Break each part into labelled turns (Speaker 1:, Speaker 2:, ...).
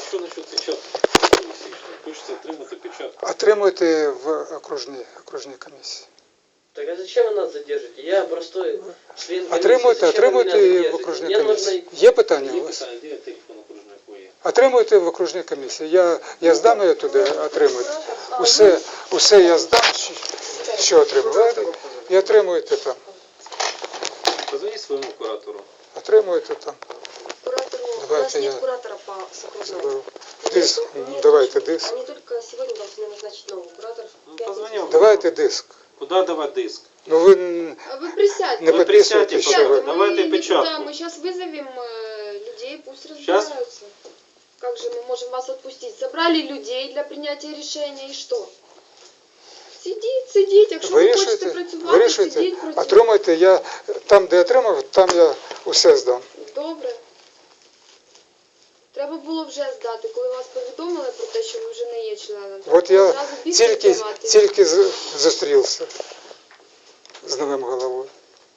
Speaker 1: що насчет печатки? Хочеться отримати печатку.
Speaker 2: Отримуйте в окружній комісії.
Speaker 3: Так а зачем вы нас задержите? Я простой член комиссии.
Speaker 2: Отримуйте
Speaker 3: Зачем вы меня
Speaker 2: в
Speaker 3: задержите?
Speaker 2: окружній
Speaker 3: Мне нужно...
Speaker 2: комісії. Є питання у
Speaker 1: Є
Speaker 2: вас?
Speaker 1: питання, де телефон окружної є?
Speaker 2: Отримуйте в окружній комісії. Я здам її туди, отримуйте. Усе я здам, що отримую. І отримуєте там.
Speaker 1: Позвоніть своєму куратору.
Speaker 2: Отримуєте там.
Speaker 4: Куратору, у
Speaker 2: Давайте
Speaker 4: нас нет
Speaker 2: я
Speaker 4: куратора по Соколову.
Speaker 2: Заберу. Диск. Давайте диск.
Speaker 4: Они только сегодня должны назначить нового куратора.
Speaker 1: Ну, позвонив.
Speaker 2: Давайте диск.
Speaker 1: Куди давати диск?
Speaker 2: Ну ви
Speaker 5: А вы присядьте.
Speaker 2: не
Speaker 1: Вы
Speaker 2: підписуєте,
Speaker 1: присядьте,
Speaker 2: що ви.
Speaker 1: Давайте
Speaker 5: мы
Speaker 1: печатку.
Speaker 5: никуда, мы сейчас вызовем людей, пусть
Speaker 1: Щас?
Speaker 5: разбираются. Как же мы можем вас отпустить? Собрали людей для принятия решения и что? Сидіть, якщо ви хочете працювати,
Speaker 2: Вирішуйте,
Speaker 5: сидіть, працюйте.
Speaker 2: отримуйте, я там, де отримав, там я усе здам.
Speaker 5: Добре. Треба було вже здати, коли вас повідомили про те, що ви вже не є членом. Треба
Speaker 2: От
Speaker 5: було
Speaker 2: я
Speaker 5: одразу бігти здавати.
Speaker 2: тільки зустрівся з новим головою.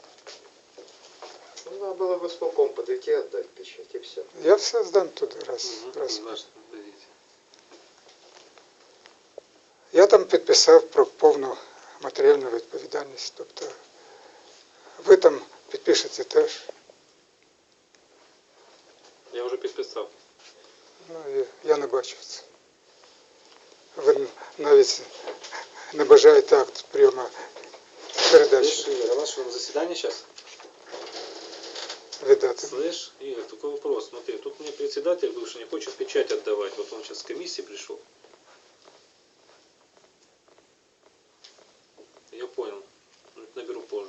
Speaker 6: Ну, надо было в исполком подойти, отдать печать, и все.
Speaker 2: Я все здам туди раз. Я там підписав про повну матеріальну відповідальність. Тобто ви там підпишете теж.
Speaker 1: Я вже підписав.
Speaker 2: Ну, я не бачив це. Ви навіть не бажаєте акт прийому передачі
Speaker 1: Игорь, а у нас что, заседание сейчас?
Speaker 2: віддати.
Speaker 1: Слышь, Игорь, такой вопрос. Смотри, тут мне председатель бывший не хочет печать отдавать. Вот он сейчас с комиссии пришел. Я понял. Наберу позже.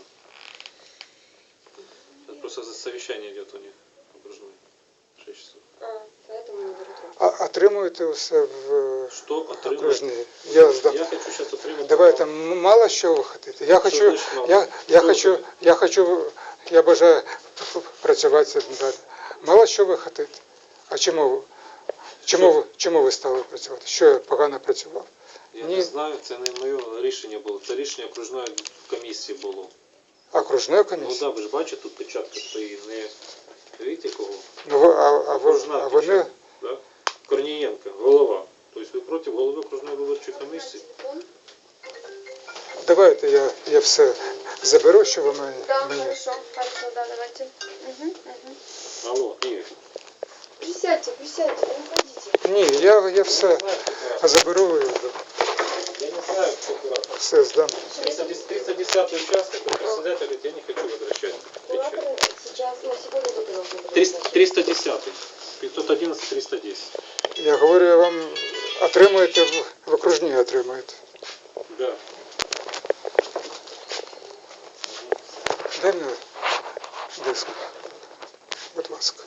Speaker 1: Сейчас просто совещание идет у них окружное. 6 часов.
Speaker 4: Поэтому не беру трубку.
Speaker 2: А отримуєте все в
Speaker 1: Что отримать?
Speaker 2: окружній. Я здам.
Speaker 1: Я хочу сейчас отримать.
Speaker 2: Давайте, мало що ви хочете. Я хочу,
Speaker 1: значить мало?
Speaker 2: я бажаю працювати далі. Мало що ви хочете. А чому ви стали працювати? Що я погано працював?
Speaker 1: Я
Speaker 2: Ні.
Speaker 1: не знаю, це не моє рішення було. Це рішення окружної комісії було.
Speaker 2: Окружної
Speaker 1: Ну
Speaker 2: комісії?
Speaker 1: да, ви ж бачите, тут печатка стоїть. Не видите кого?
Speaker 2: Ну,
Speaker 1: Окружна
Speaker 2: а вони...
Speaker 1: печатка, да? Корнієнко, голова. Тобто ви проти голови окружної виборчої комісії?
Speaker 2: Давайте я все заберу, що ви мені.
Speaker 5: Да, хорошо, да, давайте.
Speaker 1: Алло, Ігор.
Speaker 5: Присядьте, не уходите.
Speaker 2: Ні, я все заберу і
Speaker 1: Я не знаю, кто куратор.
Speaker 2: все здам.
Speaker 1: 310 участок, председатель говорит, я не хочу возвращать печать.
Speaker 4: Кураторы сейчас, на сегодня только должны быть.
Speaker 1: 310. 511, 310.
Speaker 2: Я говорю, я вам отримуєте в окружній отримуєте.
Speaker 1: Да.
Speaker 2: Дай мені диск. Будь ласка.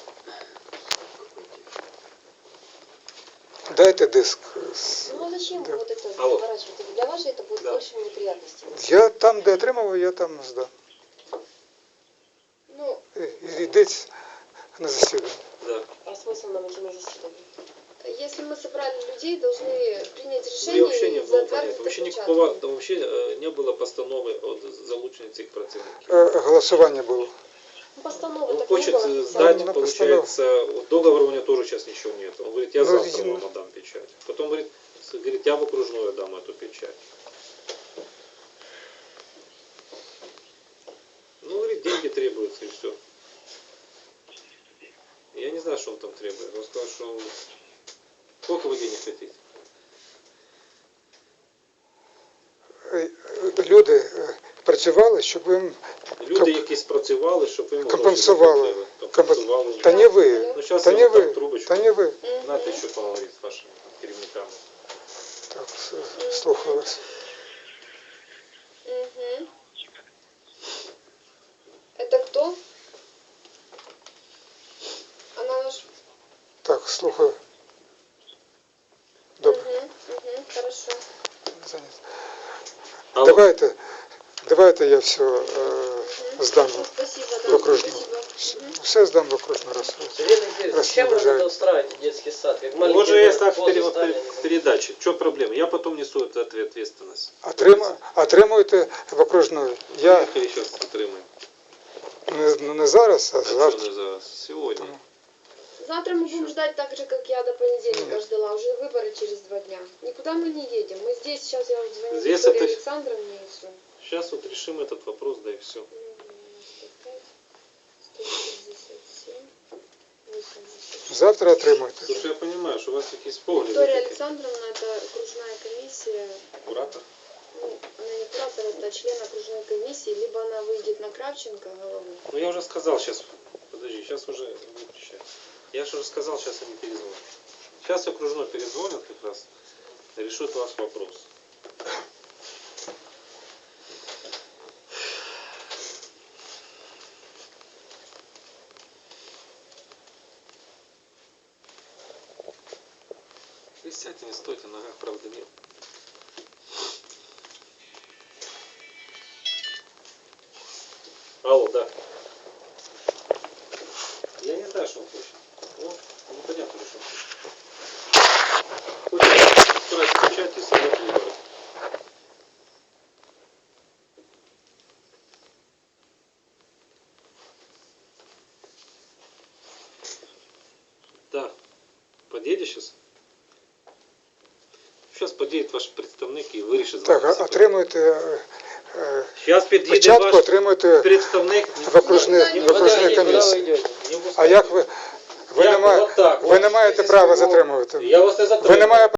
Speaker 2: Дайте диск.
Speaker 4: Ну а зачем
Speaker 2: Да.
Speaker 4: вот это
Speaker 1: Алло.
Speaker 4: заворачивать? Для вас же это будет
Speaker 1: Да.
Speaker 4: больше неприятностей.
Speaker 2: Я там, де отримав, я там здам.
Speaker 5: Ну,
Speaker 2: Йдіть на засідання.
Speaker 1: Да.
Speaker 4: А смысл нам идти на заседание?
Speaker 5: если мы собрали людей, должны принять
Speaker 1: Мне
Speaker 5: решение
Speaker 1: вообще не
Speaker 5: и
Speaker 1: было
Speaker 5: затвердить
Speaker 1: понятно. Вообще
Speaker 5: отпечатки.
Speaker 1: никакого, вообще не было постанови от залучення цих працівників.
Speaker 2: Голосування було.
Speaker 4: Ну, постанова
Speaker 1: Он
Speaker 4: так не
Speaker 1: хочет
Speaker 4: было.
Speaker 1: сдать,
Speaker 2: на
Speaker 1: получается, договора у него тоже сейчас ничего нет. Он говорит, я
Speaker 2: Ну,
Speaker 1: завтра
Speaker 2: видимо.
Speaker 1: вам отдам печать. Потом говорит, я в окружную отдам эту печать. Ну, говорит, деньги требуются и все. Я не знаю, что он там требует. Он сказал, что сколько вы денег хотите?
Speaker 2: Люди працювали, щоб їм
Speaker 1: Люди, які спрацювали, щоб ви
Speaker 2: компенсували.
Speaker 1: Компенсували.
Speaker 2: Та не ви.
Speaker 1: Ну, зараз
Speaker 2: Та
Speaker 1: я
Speaker 2: не
Speaker 1: вам дам
Speaker 2: ви.
Speaker 1: трубочку.
Speaker 2: Та не ви.
Speaker 1: Знаєте, що поговорити з вашими керівниками.
Speaker 2: Так, слухаю вас.
Speaker 5: Мгм. Это кто? Она наш...
Speaker 2: Так, слухаю. Добре.
Speaker 5: Хорошо.
Speaker 2: Зайнято.
Speaker 1: Алло.
Speaker 2: Давайте я все здам
Speaker 5: Спасибо,
Speaker 2: в
Speaker 5: да,
Speaker 2: окружну.
Speaker 5: спасибо.
Speaker 2: Все здам в окружну раз.
Speaker 3: Сергей Алексеевич,
Speaker 2: Раз
Speaker 3: зачем
Speaker 2: не
Speaker 3: вы
Speaker 2: бажаю.
Speaker 3: это устраиваете детский сад? Как маленький
Speaker 1: Вот же я
Speaker 3: ребенок,
Speaker 1: так
Speaker 3: позу стали, они
Speaker 1: в передаче. В чем проблема? Я потом несу эту ответственность.
Speaker 2: Отримуєте в окружну. Я
Speaker 1: Поехали сейчас отримаем.
Speaker 2: не зараз, а
Speaker 1: А что
Speaker 2: завтра.
Speaker 1: не зараз? Сегодня.
Speaker 5: Завтра мы будем ждать так же, как я до понедельника ждала. Уже выборы через 2 дня. Никуда мы не едем. Мы здесь, сейчас я уже звоню
Speaker 1: Здесь
Speaker 5: Виктории
Speaker 1: это-
Speaker 5: Александровне и все.
Speaker 1: Сейчас вот решим этот вопрос, да и все.
Speaker 5: 157, 86.
Speaker 2: Завтра отримуєте.
Speaker 1: Слушай, я понимаю, что у вас якісь погляди.
Speaker 5: Виктория
Speaker 1: такі.
Speaker 5: Александровна, это окружная комиссия.
Speaker 1: Куратор?
Speaker 5: Ну, она не куратор, это член окружной комиссии. Либо она выйдет на Кравченко голову.
Speaker 1: Ну я уже сказал сейчас. Подожди, сейчас уже выключай. Я же уже сказал, сейчас они перезвонят. Сейчас окружной перезвонят как раз. Решит ваш вопрос. Вы сядьте, не стойте, на ногах правда нет. Алло, да. Я не знаю, что он хочет. Ну, непонятно, что он хочет. Хочет устроить печать и собрать выборы. Да. Подъедешь сейчас? Сейчас подъедет ваш представник і вирішить.
Speaker 2: Так, отримуєте
Speaker 1: Сейчас під'їде
Speaker 2: печатку,
Speaker 1: ваш
Speaker 2: отримуєте
Speaker 1: представник.
Speaker 2: в окружній комісії. А як ви не маєте права затримувати?
Speaker 1: Я вас не
Speaker 2: Ви не маєте